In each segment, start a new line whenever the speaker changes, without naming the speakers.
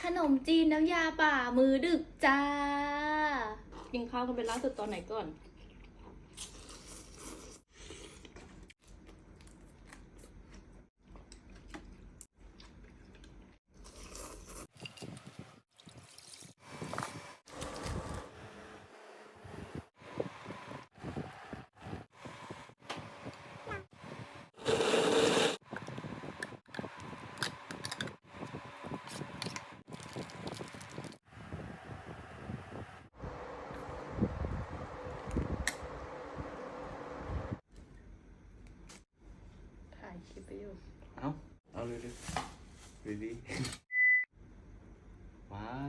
ขนมจีนน้ำยาป่ามือดึกจ้ากินข้าวกันเป็นล่าสุดตอนไหนก่อนถ่ายคลิปไปอยู่
เอาเลยเลยดีว้าว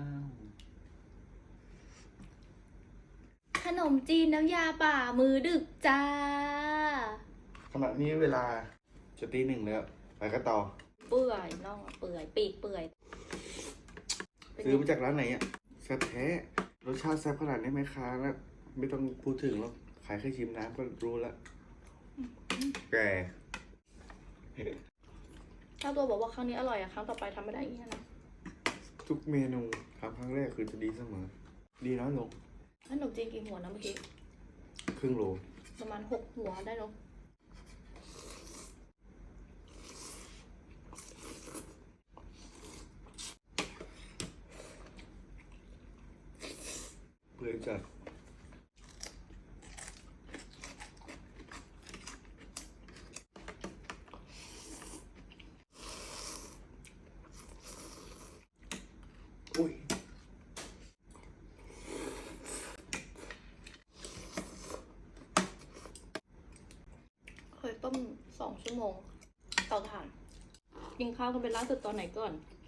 ขนมจีนน้ำยาป่ามือดึกจ้า
ขณะนี้เวลาจะตี 1แล้วไปก็ต่อ
เปื่อยน่องเปื่อยปีกเปื่อย
ซื้อมาจากร้านไหนอ่ะแซ่บแท้รสชาติแซ่บขนาดนี้ไหมคะแล้วไม่ต้องพูดถึงหรอกขายแค่ชิมน้ำก็รู้แล้วแก
ถ้าตัวบอกว่าครั้งนี้อร่อยอะครั้งต่อไปทำไม่ได้อีกนะ
ทุกเมนูทำครั้งแรกคือจะดีเสมอ ดีน้อยลง
ขนมจีนกี่หัวนะเมื่อกี้
ครึ่งโล
ประมาณ6 หัวได้เนอะ
เปื่อยจัดอุ้ย
เคยต้ม2 ชั่วโมงเตาถ่านกินข้าวกันเป็นล่าสุดตอนไหนก่อน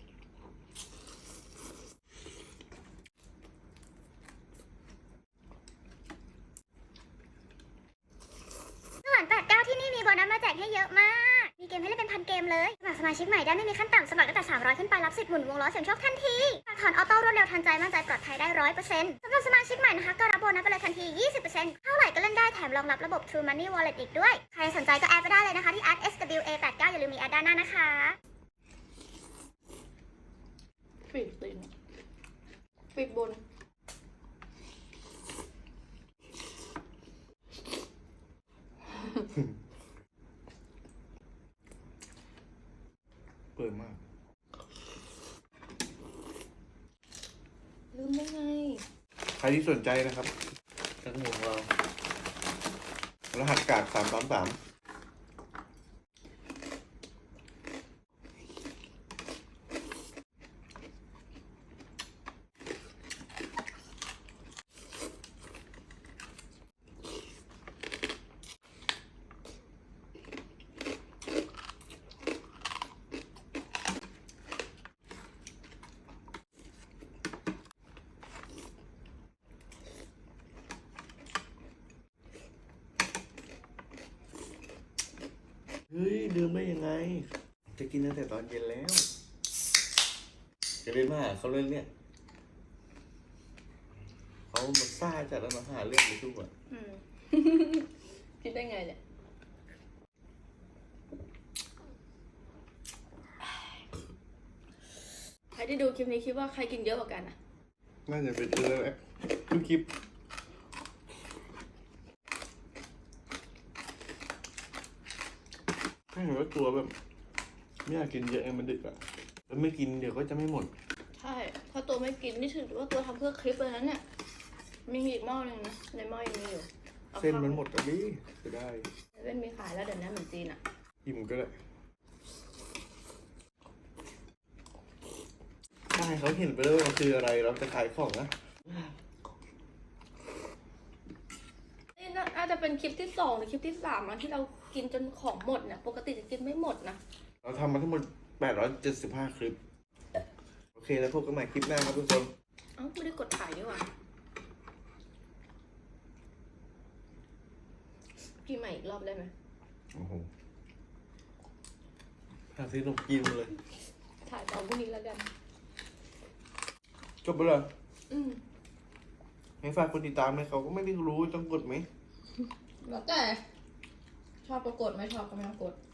สวรรค์89ที่นี่มีโบนัสมาแจกให้เยอะมาก มีเกมให้เล่นเป็นพันเกมเลย สมัครสมาชิกใหม่ได้ไม่มีขั้นต่ำสมัครตั้งแต่300ขึ้นไปรับสิทธิ์หมุนวงล้อเสี่ยงโชคทันทีฝากถอนออโต้รวดเร็วทันใจมั่นใจปลอดภัยได้100%สำหรับสมาชิกใหม่นะคะก็รับโบนัสไปเลยทันที 20%เท่าไหร่ก็เล่นได้แถมรองรับระบบ True Money Wallet อีกด้วย ใครสนใจก็แอดไปได้เลยนะคะที่ @swa89 อย่าลืมมีแอดด้านหน้านะคะ
ปีกตีนปีกบน
เปื่อยมาก
ลืมได้ไง
ใครที่สนใจนะครับทั้งหมดเรารหัสกาก333เฮ้ยลืมได้ยังไง จะกินตั้งแต่ตอนเย็นแล้ว จะเล่นมาหาเขาเล่นเนี่ยเขามาซ่าจัดแล้วมาหาเรื่องไปทุกอ่ะ
คิดได้ไงเนี่ยใครที่ดูคลิปนี้คิดว่าใครกินเยอะกว่ากันอะ
น่าจะเป็นแล้วแหละทุกคลิปถ้าเห็นว่าตัวแบบไม่อยากกินเยอะไงมันดึกอ่ะแล้วไม่กินเดี๋ยวก็จะไม่หมด
ใช่ถ้าตัวไม่กินนี่ถือว่าตัวทำเพื่อคลิปเลยนะเนี่ยมีอีกหม้อหนึงนะในหม้อยังมีอยู่อา
เส้นมัน
ข้าว
หมดอ่ะดิจะได้
เว้นมีขายแล้วเดี๋ยวนี้เหมือนจีนอะ
อิ่มก็ได้ถ้าให้เขาเห็นไปแล้วว่ามันคืออะไรเราจะขายของนะ
นี่น่าจะเป็นคลิปที่2หรือคลิปที่3แล้วที่เรากินจนของหมดเนี่ยปกติจะกินไม่หมดนะ
เราทำมาทั้งหมด875คลิปโอเคแล้วพบกันใหม่คลิปหน้าครับทุกคน
เอ้าไม่ได้กดถ่ายด้วยว่ะกินใหม่อีกรอบได้ไหม
โอ้โหหาซื้อนมกินมาเลย
ถ่ายตอนพรุ่งนี้แล้วกัน
จบไปเลย
อืม
ให้ฝากคนติดตามไหมเขาก็ไม่ได้รู้ต้องกดไหม
แล้วแต่ชอบก็กดไม่ชอบก็ไม่ต้องกด